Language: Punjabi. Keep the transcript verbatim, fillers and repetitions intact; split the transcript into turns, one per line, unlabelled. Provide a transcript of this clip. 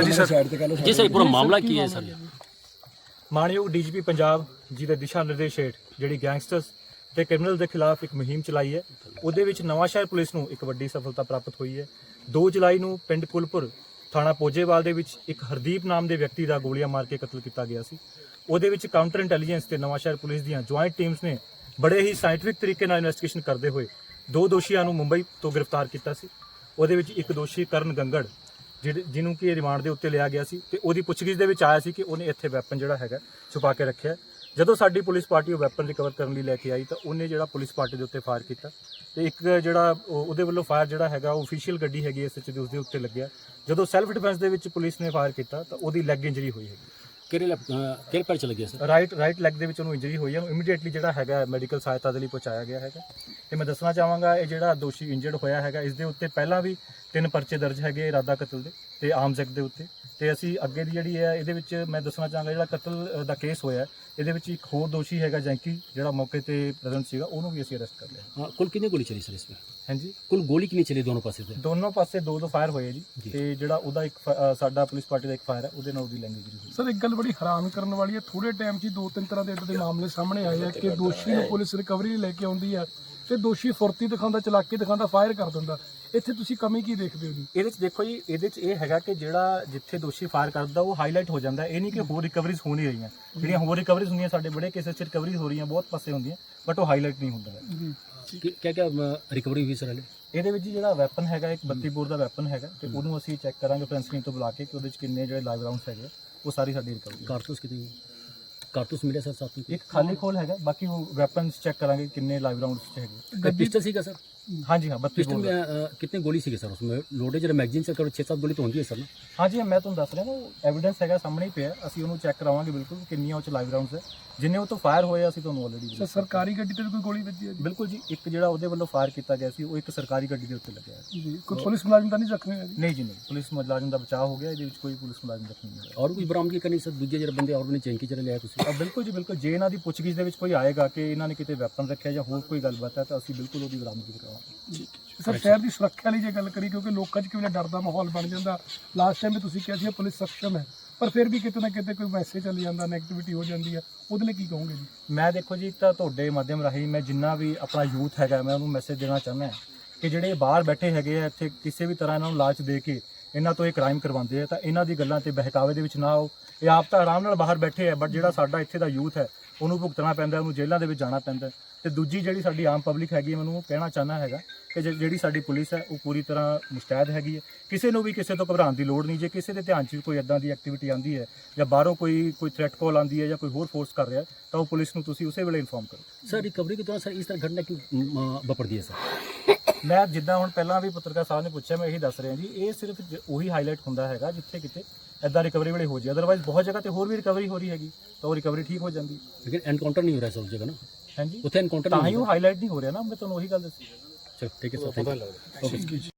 जी सर
जी सर पूरा मामला की है सर?
ਮਾਣਯੋਗ ਡੀਜੀਪੀ ਪੰਜਾਬ ਜੀ ਦੇ ਦਿਸ਼ਾ ਨਿਰਦੇਸ਼ ਹੇਠ ਜਿਹੜੀ ਗੈਂਗਸਟਰਸ ਤੇ ਕ੍ਰਿਮੀਨਲ ਦੇ ਖਿਲਾਫ ਇੱਕ ਮੁਹਿੰਮ ਚਲਾਈ ਹੈ, ਉਹਦੇ ਵਿੱਚ ਨਵਾਂਸ਼ਹਿਰ ਪੁਲਿਸ ਨੂੰ ਇੱਕ ਵੱਡੀ ਸਫਲਤਾ ਪ੍ਰਾਪਤ ਹੋਈ ਹੈ। ਦੋ ਜੁਲਾਈ ਨੂੰ ਪਿੰਡ ਕੁਲਪੁਰ ਥਾਣਾ ਪੋਜੇਵਾਲ ਦੇ ਵਿੱਚ ਇੱਕ ਹਰਦੀਪ ਨਾਮ ਦੇ ਵਿਅਕਤੀ ਦਾ ਗੋਲੀਆਂ ਮਾਰ ਕੇ ਕਤਲ ਕੀਤਾ ਗਿਆ ਸੀ। ਉਹਦੇ ਵਿੱਚ ਕਾਊਂਟਰ ਇੰਟੈਲੀਜੈਂਸ ਤੇ ਨਵਾਂਸ਼ਹਿਰ ਪੁਲਿਸ ਦੀਆਂ ਜੁਆਇੰਟ ਟੀਮਸ ਨੇ ਬੜੇ ਹੀ ਸਾਇੰਟਿਫਿਕ ਤਰੀਕੇ ਨਾਲ ਇਨਵੈਸਟੀਗੇਸ਼ਨ ਕਰਦੇ ਹੋਏ ਦੋ ਦੋਸ਼ੀਆਂ ਨੂੰ ਮੁੰਬਈ ਤੋਂ ਗ੍ਰਿਫਤਾਰ ਕੀਤਾ ਸੀ। ਉਹਦੇ ਵਿੱਚ ਇੱਕ ਦੋਸ਼ੀ ਕਰਨ ਗੰਗੜ ਜਿਹੜੇ ਜਿਹਨੂੰ ਕਿ ਰਿਮਾਂਡ ਦੇ ਉੱਤੇ ਲਿਆ ਗਿਆ ਸੀ ਤੇ ਉਹਦੀ ਪੁੱਛਗਿੱਛ ਦੇ ਵਿੱਚ ਆਇਆ ਸੀ ਕਿ ਉਹਨੇ ਇੱਥੇ ਵੈਪਨ ਜਿਹੜਾ ਹੈਗਾ ਛੁਪਾ ਕੇ ਰੱਖਿਆ। ਜਦੋਂ ਸਾਡੀ ਪੁਲਿਸ ਪਾਰਟੀ ਉਹ ਵੈਪਨ ਰਿਕਵਰ ਕਰਨ ਲਈ ਲੈ ਕੇ ਆਈ ਤਾਂ ਉਹਨੇ ਜਿਹੜਾ ਪੁਲਿਸ ਪਾਰਟੀ ਦੇ ਉੱਤੇ ਫਾਇਰ ਕੀਤਾ ਤੇ ਇੱਕ ਜਿਹੜਾ ਉਹਦੇ ਵੱਲੋਂ ਫਾਇਰ ਜਿਹੜਾ ਹੈਗਾ ਉਹ ਅਫੀਸ਼ੀਅਲ ਗੱਡੀ ਹੈਗੀ ਐਸ ਐਚ ਦੇ ਉਸਦੇ ਉੱਤੇ ਲੱਗਿਆ। ਜਦੋਂ ਸੈਲਫ ਡਿਫੈਂਸ ਦੇ ਵਿੱਚ ਪੁਲਿਸ ਨੇ ਫਾਇਰ ਕੀਤਾ ਤਾਂ ਉਹਦੀ ਲੈਗ ਇੰਜਰੀ ਹੋਈ ਹੈਗੀ।
ਕਿਹੜੇ ਕਿਹੜੇ ਪੈਰ ਚਲੇ ਗਿਆ ਸਰ?
ਰਾਈਟ ਰਾਈਟ ਲੈਗ ਦੇ ਵਿੱਚ ਉਹਨੂੰ ਇੰਜਰੀ ਹੋਈ ਹੈ। ਉਹਨੂੰ ਇਮੀਡੀਏਟਲੀ ਜਿਹੜਾ ਹੈਗਾ ਮੈਡੀਕਲ ਸਹਾਇਤਾ ਦੇ ਲਈ ਪਹੁੰਚਾਇਆ ਗਿਆ ਹੈਗਾ। ਤੇ ਮੈਂ ਦੱਸਣਾ ਚਾਹਾਂਗਾ ਇਹ ਜਿਹੜਾ ਦੋਸ਼ੀ ਇੰਜਰਡ ਹੋਇਆ ਹੈਗਾ ਇਸ ਦੇ ਉੱਤੇ ਪਹਿਲਾਂ ਵੀ ਤਿੰਨ ਪਰਚੇ ਦਰਜ ਹੈਗੇ ਇਰਾਦਾ ਕਤਲ ਦੇ ਤੇ ਆਰਮਸ ਐਕਟ ਦੇ ਉੱਤੇ। ਤੇ ਅਸੀਂ ਅੱਗੇ ਦੀ ਜਿਹੜੀ ਹੈ ਇਹਦੇ ਵਿੱਚ ਮੈਂ ਦੱਸਣਾ ਚਾਹਾਂਗਾ ਜਿਹੜਾ ਕਤਲ ਦਾ ਕੇਸ ਹੋਇਆ ਇਹਦੇ ਵਿੱਚ ਇੱਕ ਹੋਰ ਦੋਸ਼ੀ ਹੈਗਾ ਜੈਂਕੀ ਜਿਹੜਾ ਮੌਕੇ ਤੇ ਪ੍ਰੈਜ਼ੈਂਟ ਸੀਗਾ, ਉਹਨੂੰ ਵੀ ਅਸੀਂ ਅਰੈਸਟ ਕਰ ਲਿਆ।
हाँ कुल कितनी गोली चली सर इसमें?
ਹਾਂਜੀ,
कुल गोली कितनी चली दोनों पासे से?
ਦੋਨੋਂ ਪਾਸੇ ਦੋ ਦੋ ਫਾਇਰ ਹੋਏ ਜੀ ਤੇ ਜਿਹੜਾ ਉਹਦਾ ਇੱਕ ਫ- ਅ, ਸਾਡਾ ਪੁਲਿਸ ਪਾਰਟੀ ਦਾ ਇੱਕ ਫਾਇਰ ਹੈ ਉਹਦੇ ਨਾਲ ਉਹਦੀ ਲੈਂਗੁਏਜ ਹੋਈ।
ਸਰ ਇੱਕ ਗੱਲ ਬੜੀ ਹੈਰਾਨ ਕਰਨ ਵਾਲੀ ਹੈ, ਥੋੜੇ ਟਾਈਮ 'ਚ ਹੀ ਦੋ ਤਿੰਨ ਤਰ੍ਹਾਂ ਦੇ ਇਦਾਂ ਦੇ ਮਾਮਲੇ ਸਾਹਮਣੇ ਆਏ ਆ ਕਿ ਦੋਸ਼ੀ ਨੂੰ ਪੁਲਿਸ ਰਿਕਵਰੀ ਲਈ ਲੈ ਕੇ ਆਉਂਦੀ ਹੈ ਤੇ ਦੋਸ਼ੀ ਫੁਰਤੀ ਦਿਖਾਉਂਦਾ, ਚਲਾਕੀ ਦਿਖਾਉਂਦਾ, ਫਾਇਰ ਕਰ ਦਿੰਦਾ। ਇੱਥੇ ਤੁਸੀਂ ਕਮੀ ਕੀ ਦੇਖਦੇ ਹੋ ਜੀ?
ਇਹਦੇ ਚ ਦੇਖੋ ਜੀ, ਇਹਦੇ ਚ ਇਹ ਹੈਗਾ ਕਿ ਜਿਹੜਾ ਜਿੱਥੇ ਦੋਸ਼ੀ ਫਾਇਰ ਕਰਦਾ ਉਹ ਹਾਈਲਾਈਟ ਹੋ ਜਾਂਦਾ। ਇਹ ਨਹੀਂ ਕਿ ਹੋਰ ਰਿਕਵਰੀਜ਼ ਹੋ ਨਹੀਂ ਰਹੀਆਂ। ਜਿਹੜੀਆਂ ਹੋਰ ਰਿਕਵਰੀਜ਼ ਹੁੰਦੀਆਂ ਸਾਡੇ ਬੜੇ ਕੇਸਿਸ ਚ ਰਿਕਵਰੀ ਹੋ ਰਹੀਆਂ ਬਹੁਤ ਪਾਸੇ ਹੁੰਦੀਆਂ ਬਟ ਉਹ ਹਾਈਲਾਈਟ ਨਹੀਂ ਹੁੰਦਾ ਹੈ।
ਜੀ
क्या क्या रिकवरी हुई सर?
ਇਹਦੇ ਵਿੱਚ ਜੀ ਜਿਹੜਾ ਵੈਪਨ ਹੈਗਾ ਇੱਕ ਬੱਤੀ ਬੋਰ ਦਾ ਵੈਪਨ ਹੈਗਾ ਤੇ ਉਹਨੂੰ ਅਸੀਂ ਚੈੱਕ ਕਰਾਂਗੇ ਫੋਰੈਂਸਿਕ ਟੀਮ ਤੋਂ ਬੁਲਾ ਕੇ ਕਿ ਉਹਦੇ ਚ ਕਿੰਨੇ ਜਿਹੜੇ ਲਾਈਵ ਰਾਉਂਡਸ ਹੈਗੇ ਉਹ ਸਾਰੀ ਸਾਡੀ ਰਿਕਵਰੀ।
कारतूस कितनी कारतूस मिले सर साथ में?
ਇੱਕ ਖਾਲੀ ਖੋਲ ਹੈਗਾ, ਬਾਕੀ ਉਹ ਵੈਪਨਸ ਚੈੱਕ ਕਰਾਂਗੇ ਕਿੰਨੇ ਲਾਈਵ ਰਾਉਂਡਸ ਚ ਹੈਗੇ।
एक पिस्टल सी का सर?
ਹਾਂਜੀ ਹਾਂ, ਬੱਤੀ
पिस्टल
ਬੋਰ
में अ, कितने गोली सी सर उसमें? लोडे जरा मैगजीन से करो छः सात गोली तो होती है सर ना?
ਹਾਂਜੀ ਮੈਂ ਤੁਹਾਨੂੰ ਦੱਸ ਰਿਹਾ ਨਾ, ਉਹ ਐਵੀਡੈਂਸ ਹੈਗਾ ਸਾਹਮਣੇ ਹੀ ਪਿਆ। ਅਸੀਂ ਉਹਨੂੰ ਚੈੱਕ ਕਰਾਵਾਂਗੇ ਬਿਲਕੁਲ ਕਿੰਨੀਆਂ ਉਹ ਚ ਲਾਈਵ ਰਾਉਂਡਸ ਹੈ। ਜਿੰਨੇ ਉਹ ਤੋਂ ਫਾਇਰ ਹੋਏ ਅਸੀਂ ਤੁਹਾਨੂੰ ਆਲਰੇਡੀ
ਸਰ ਸਰਕਾਰੀ ਗੱਡੀ ਤੇ ਵੀ ਕੋਈ ਗੋਲੀ ਵੱਜੀ ਹੈ ਜੀ?
ਬਿਲਕੁਲ ਜੀ, ਇੱਕ ਜਿਹੜਾ ਉਹਦੇ ਵੱਲੋਂ ਫਾਇਰ ਕੀਤਾ ਗਿਆ ਸੀ ਉਹ ਇੱਕ ਸਰਕਾਰੀ ਗੱਡੀ ਦੇ ਉੱਤੇ ਲੱਗਿਆ ਹੈ।
ਜੀ ਕੋਈ ਪੁਲਿਸ ਮੁਲਾਜ਼ਮ ਤਾਂ ਨਹੀਂ ਜ਼ਖਮੀ ਹੋਇਆ ਜੀ?
ਨਹੀਂ ਜੀ ਨਹੀਂ, ਪੁਲਿਸ ਮੁਲਾਜ਼ਮ ਦਾ ਬਚਾਅ ਹੋ ਗਿਆ, ਇਹਦੇ ਵਿੱਚ ਕੋਈ ਪੁਲਿਸ ਮੁਲਾਜ਼ਮ ਜ਼ਖਮੀ ਨਹੀਂ ਹੋਇਆ।
और कुछ बरामदगी करनी सर? दूजे जरा बंदे और भी चैंकी चले लिया तुम?
ਆ ਬਿਲਕੁਲ ਜੀ ਬਿਲकुल, ਜੇ ਇਹਨਾਂ ਦੀ ਪੁੱਛਗਿੱਛ ਦੇ ਵਿੱਚ ਕੋਈ ਆਏਗਾ ਕਿ ਇਹਨਾਂ ਨੇ ਕਿਤੇ ਵੈਪਨ ਰੱਖਿਆ ਜਾਂ ਹੋਰ ਕੋਈ ਗੱਲਬਾਤ ਹੈ ਤਾਂ ਅਸੀਂ ਬਿਲਕੁਲ ਉਹਦੀ ਬਰਾਮਦਗੀ ਕਰਾਵਾਂਗੇ।
ਸਰ ਸ਼ਹਿਰ ਦੀ ਸੁਰੱਖਿਆ ਲਈ ਜੇ ਗੱਲ ਕਰੀ, ਕਿਉਂਕਿ ਲੋਕਾਂ 'ਚ ਕਿਵੇਂ ਡਰ ਦਾ ਮਾਹੌਲ ਬਣ ਜਾਂਦਾ। ਲਾਸਟ ਟਾਈਮ ਵੀ ਤੁਸੀਂ ਕਿਹਾ ਸੀ ਪੁਲਿਸ ਸક્ષਮ ਹੈ ਪਰ ਫਿਰ ਵੀ ਕਿਤੇ ਨਾ ਕਿਤੇ ਕੋਈ ਮੈਸੇਜ ਚੱਲ ਜਾਂਦਾ, ਨੈਗੇਟਿਵਿਟੀ ਹੋ ਜਾਂਦੀ ਹੈ, ਉਹਦੇ ਲਈ ਕੀ ਕਹੋਗੇ ਜੀ?
ਮੈਂ ਦੇਖੋ ਜੀ, ਇੱਕ ਤਾਂ ਤੁਹਾਡੇ ਮਾਧਿਅਮ ਰਾਹੀਂ ਮੈਂ ਜਿੰਨਾ ਵੀ ਆਪਣਾ ਯੂਥ ਹੈਗਾ ਮੈਂ ਉਹਨੂੰ ਮੈਸੇਜ ਦੇਣਾ ਚਾਹੁੰਦਾ ਕਿ ਜਿਹੜੇ ਬਾਹਰ ਬੈਠੇ ਹੈਗੇ ਆ ਇੱਥੇ ਕਿਸੇ ਵੀ ਤਰ੍ਹਾਂ ਇਹਨਾਂ ਨੂੰ ਲਾਲਚ ਦੇ ਕੇ ਇਹਨਾਂ ਤੋਂ ਇਹ ਕ੍ਰਾਈਮ ਕਰਵਾਉਂਦੇ ਆ ਤਾਂ ਇਹਨਾਂ ਦੀ ਗੱਲਾਂ ਤੇ ਬਹਿਕਾਵੇ ਦੇ ਵਿੱਚ ਨਾ ਆਓ। ਇਹ ਆਪ ਤਾਂ ਆਰਾਮ ਨਾਲ ਬਾਹਰ ਬੈਠੇ ਆ ਬਟ ਜਿਹੜਾ ਸਾਡਾ ਇੱਥੇ ਦਾ ਯੂਥ ਹੈ ਉਹਨੂੰ ਭੁਗਤਣਾ ਪੈਂਦਾ, ਉਹਨੂੰ ਜੇਲ੍ਹਾਂ ਦੇ ਵਿੱਚ ਜਾਣਾ ਪੈਂਦਾ। ਤੇ ਦੂਜੀ ਜਿਹੜੀ ਸਾਡੀ ਆਮ ਪਬਲਿਕ ਹੈਗੀ ਮੈਨੂੰ ਉਹ ਕਹਿਣਾ ਚਾਹੁੰਦਾ ਹੈਗਾ ਕਿ ਜੇ- ਜਿਹੜੀ ਸਾਡੀ ਪੁਲਿਸ ਹੈ ਉਹ ਪੂਰੀ ਤਰ੍ਹਾਂ ਮੁਸਤੈਦ ਹੈਗੀ ਹੈ। ਕਿਸੇ ਨੂੰ ਵੀ ਕਿਸੇ ਤੋਂ ਘਬਰਾਉਣ ਦੀ ਲੋੜ ਨਹੀਂ। ਜੇ ਕਿਸੇ ਦੇ ਧਿਆਨ 'ਚ ਵੀ ਕੋਈ ਇਦਾਂ ਦੀ ਐਕਟੀਵਿਟੀ ਆਉਂਦੀ ਹੈ ਜਾਂ ਬਾਹਰੋਂ ਕੋਈ ਕੋਈ ਥ੍ਰੈਟ ਕਾਲ ਆਉਂਦੀ ਹੈ ਜਾਂ ਕੋਈ ਹੋਰ ਫੋਰਸ ਕਰ ਰਿਹਾ ਤਾਂ ਉਹ ਪੁਲਿਸ ਨੂੰ ਤੁਸੀਂ ਉਸੇ ਵੇਲੇ ਇਨਫੋਰਮ ਕਰੋ।
सर रिकवरी के दौरान सर इस तरह घटना क्यों वापरती है सर?
ਮੈਂ ਜਿੱਦਾਂ ਹੁਣ ਪਹਿਲਾਂ ਵੀ ਪੱਤਰਕਾਰ ਸਾਹਿਬ ਨੇ ਪੁੱਛਿਆ ਮੈਂ ਇਹੀ ਦੱਸ ਰਿਹਾ ਜੀ, ਇਹ ਸਿਰਫ ਜ- ਉਹੀ ਹਾਈਲਾਈਟ ਹੁੰਦਾ ਹੈਗਾ ਜਿੱਥੇ ਕਿਤੇ ਇਦਾਂ ਰਿਕਵਰੀ ਵੇਲੇ ਹੋ ਜਾਏ। ਅਦਰਵਾਈਜ਼ ਬਹੁਤ ਜਗ੍ਹਾ ਤੇ ਹੋਰ ਵੀ ਰਿਕਵਰੀ ਹੋ ਰਹੀ ਹੈਗੀ ਤਾਂ ਉਹ ਰਿਕਵਰੀ ਠੀਕ ਹੋ ਜਾਂਦੀ
लेकिन एनकाउंटर नहीं हो रहा है सर उस जगह ना?
ਹਾਂਜੀ।
उसे एनकाउंटर
ਤਾਂ
नहीं
ਹੀ
हो
ਉਹ ਹਾਈਲਾਈਟ ਨਹੀਂ ਹੋ ਰਿਹਾ ਨਾ, ਮੈਂ ਤੁਹਾਨੂੰ ਉਹੀ ਗੱਲ ਦੱਸੀ।
रहा। चलो ठीक है सर, थैंक यू। ओके।